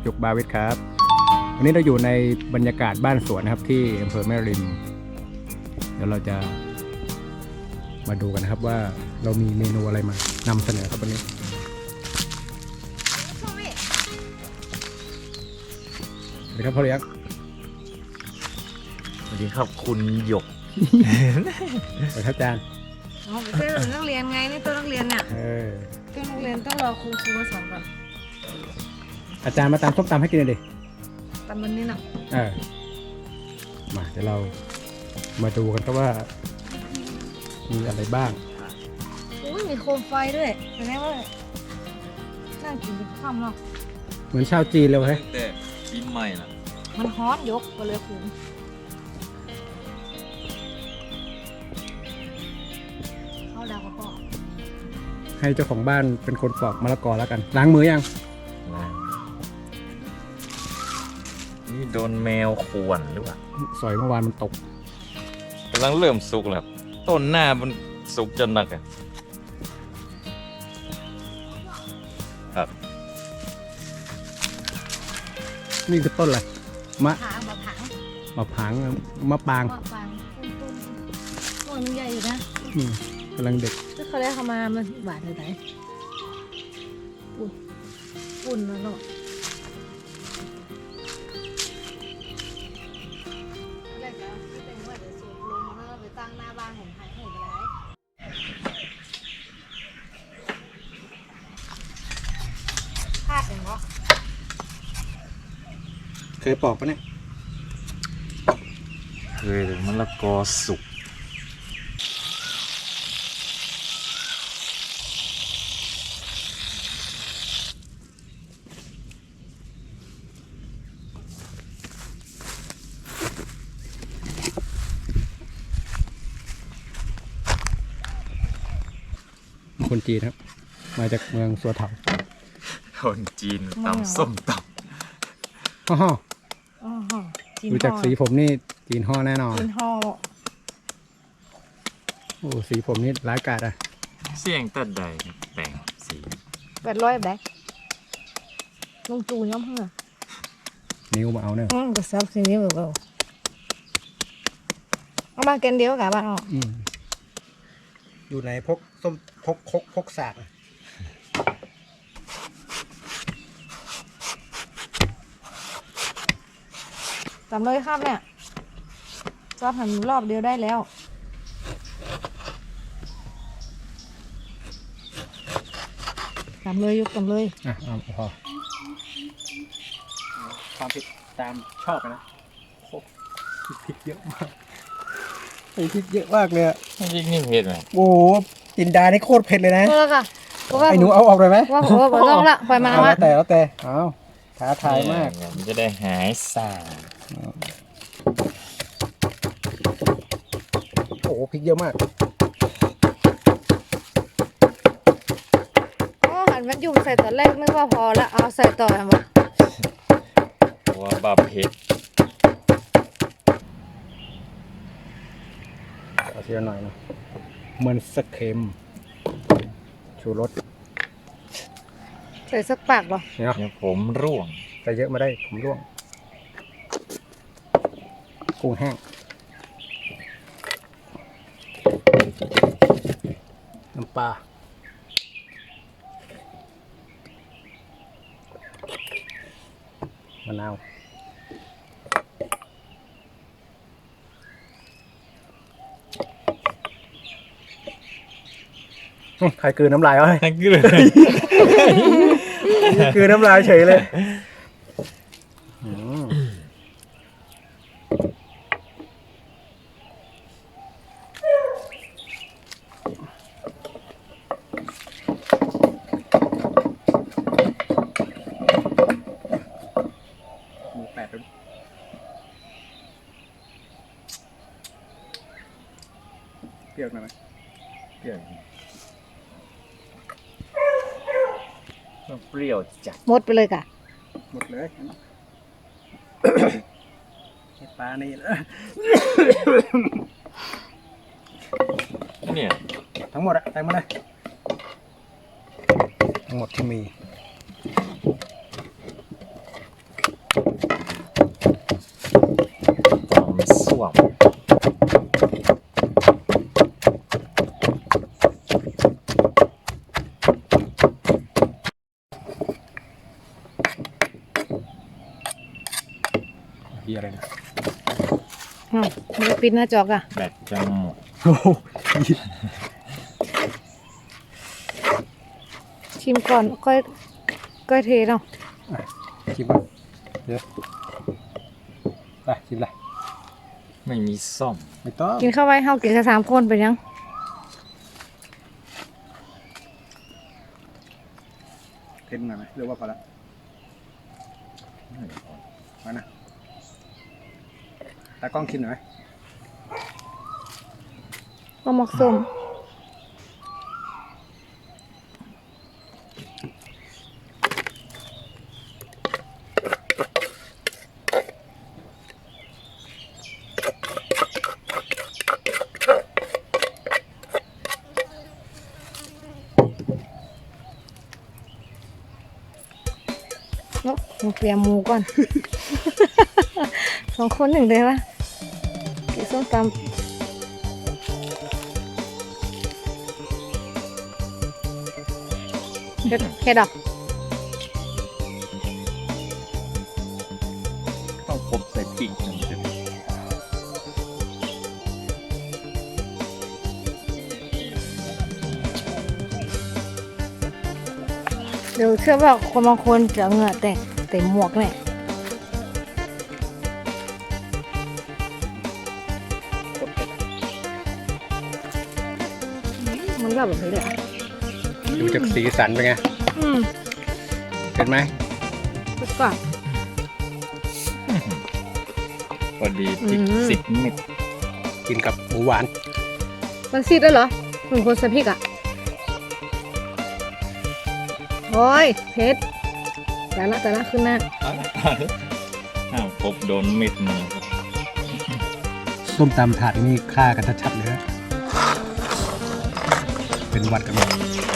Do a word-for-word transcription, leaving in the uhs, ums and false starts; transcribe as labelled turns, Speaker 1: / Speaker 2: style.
Speaker 1: จุกบาวิทครับวันนี้เราอยู่ในบรรยากาศบ้านสวนนะครับที่อำเภอแม่ริมเดี๋ยวเราจะมาดูกันนะครับว่าเรามีเมนูอะไรมานำเสนอครับวันนี้สวัสดีครับพ่อเลี้ยง
Speaker 2: สวัสดีครับคุณหยก
Speaker 1: สวัสดีครับอาจารย์
Speaker 3: อ๋อเป็นตัวนักเรียนไงนี่ตัวนักเรียนเนี่ย
Speaker 1: เออ
Speaker 3: ตัวนักเรียนต้องรอครูครูมาสอนก่อน
Speaker 1: อาจารย์มาตำส้มตำให้กินเลยดิ
Speaker 3: ตำมันนี่เนาะ
Speaker 1: เออมาเดี๋ยวเรามาดูกันครับว่ามีอะไรบ้าง
Speaker 3: อุ้ยมีโคมไฟด้วยแสดงว่าน่ากินเป็นข้ามเนาะ
Speaker 1: เหมือนชาวจีนเลยเฮ้ย
Speaker 2: แต่ปีใหม่ล่ะ
Speaker 3: มันฮ้อนยกก็เลยคุ้มเข้าดาวกระป๋อง
Speaker 1: ให้เจ้าของบ้านเป็นคนปอกมะละกอแล้วกันล้างมือยัง
Speaker 2: นี่โดนแมวข่วนหรือเปล่า
Speaker 1: สอยเมื่อวานมันตก
Speaker 2: กำลังเริ่มสุกแล้วต้นหน้ามันสุกจนหนักอ่ะครับ
Speaker 1: นี่คือต้นอะไรมะ
Speaker 3: ผางมะผาง
Speaker 1: มะผางมะปาง
Speaker 3: มะปางต้นต้นมันใหญ่อยู่นะ
Speaker 1: กำลังเด็ก
Speaker 3: ถ้าเขาได้เข้ามามันบาดเลยไหนปุ่นปุ่นแล้วเนาะตั้งหน้าบ้านผมหายหมดไปแล้วพลาดเองเหรอ
Speaker 1: เคยปอกปะเนี่ย
Speaker 2: เคยมะละกอสุก
Speaker 1: คนจีนครับมาจากเมืองสัวเถา
Speaker 2: คนจีนตำส้มต
Speaker 1: ำฮ่อดูจากสีผมนี่จีนห่อแน่นอน
Speaker 3: จีนห่อ
Speaker 1: โอ้สีผมนี่ร้ายกาจอ่ะ
Speaker 2: เสี่ยงตัดใดแต่งสี
Speaker 3: แปดร้อยแบกลงจูย้อมเพื่อ
Speaker 1: นิ้วมาเอาเนี่ย
Speaker 3: อืมก็ซับสีนิ้วแบบเอามาเกนเดียวกับบ้านออก
Speaker 1: อยู่ในพกส้มพกคกพกสาก
Speaker 3: จำเลยครับเนี่ยซอสหั่นรอบเดียวได้แล้วจำเลยยกจำเลย
Speaker 1: อ่ะเอาพอความผิดตามชอบนะโอ้พริกเยอะมากไอ้พริกเยอะมากเลยอ่ะ
Speaker 2: พริกนี่เผ็ดไหม
Speaker 1: โอ้จินดานี่โคตรเผ็ดเลยนะ
Speaker 3: เออค่ะ
Speaker 1: ไอ้หนูเอาออกเลยไหม
Speaker 3: ว่าผมว่าผมต้องละปล่อยมา
Speaker 1: แล้วแต่แล้วแต่เอาท้าทายมาก
Speaker 2: มันจะได้หายสา
Speaker 1: โอ้พริกเยอะมาก
Speaker 3: อ๋อหันมันยุ่มใส่ตอนแรกนึกว่าพอแล้วเอาใส่ต่อทำไม
Speaker 2: ว่าบาเผ็ด
Speaker 1: เอาเสียหน่อยนะเหมือนสเค็มชูรส
Speaker 3: ใส่สักปากเหรอ
Speaker 2: เนี่ยผมร่วง
Speaker 1: ใส่เยอะมาได้ผมร่วงกุ้งแห้งน้ำปลามะนาวใครกืนน้ำลายวะ
Speaker 2: ใครกืน
Speaker 1: กืนน้ำลายเฉยเลยหมูแปดเปรี้ยวหน่อยไหม
Speaker 2: เปรี้ยวเปรี้ยวจัด
Speaker 3: หมดไปเลยค่ะ
Speaker 1: หมดเลยปลานี่
Speaker 2: เนี่ย
Speaker 1: ทั้งหมดอะใส่มาเลยทั้งหมดที่มี
Speaker 3: ปิดหน้าจอกอะ
Speaker 2: แบตจะหมด
Speaker 1: โอ้โห
Speaker 3: ชิมก่อนก้อยก้อยเทเนาะ
Speaker 1: ชิมก่อนเดี๋ยวไปชิมเลย
Speaker 2: ไม่มีซ่อม
Speaker 1: ไม่ต้อง
Speaker 3: กินข้าวไว้เฮากินกันสามคนเป็นยัง
Speaker 1: เค็มหน่อยไหมหรือว่าพอละมานะตากล้องชิมหน่อยไหม
Speaker 3: ก็หมกส้ม เนาะหนูเตรียมหมูก่อน สองคนหนึ่งเลยวะกินส้มตำเฮ็ดเฮ็ดดอก
Speaker 2: ต้องพบใส่ปีกมันจะ
Speaker 3: เดี๋ยวเชื่อว่าคนบางคนจะเหงื่อแตกเต็มหมวกเนี่ยมันก็แบบนี้เลยอะ
Speaker 1: ดูจากสีสันเป็นไง
Speaker 3: อืม
Speaker 1: เห็นไหม
Speaker 3: สุดก่อน
Speaker 2: พอดีพริก
Speaker 3: อืม
Speaker 2: สิบเม็ด
Speaker 1: กินกับหมูหวาน
Speaker 3: มันซีดด้วยเหรอเหมือนคนใส่พริกอ่ะโอ้ยเผ็ดแต่ละแต่ละขึ้นหน้า
Speaker 2: ห้ามพบโดนเม็ดมือครับ
Speaker 1: ส้มตำถาดนี่ฆ่ากันชัดๆเลยนะเป็นหวัดกันหมด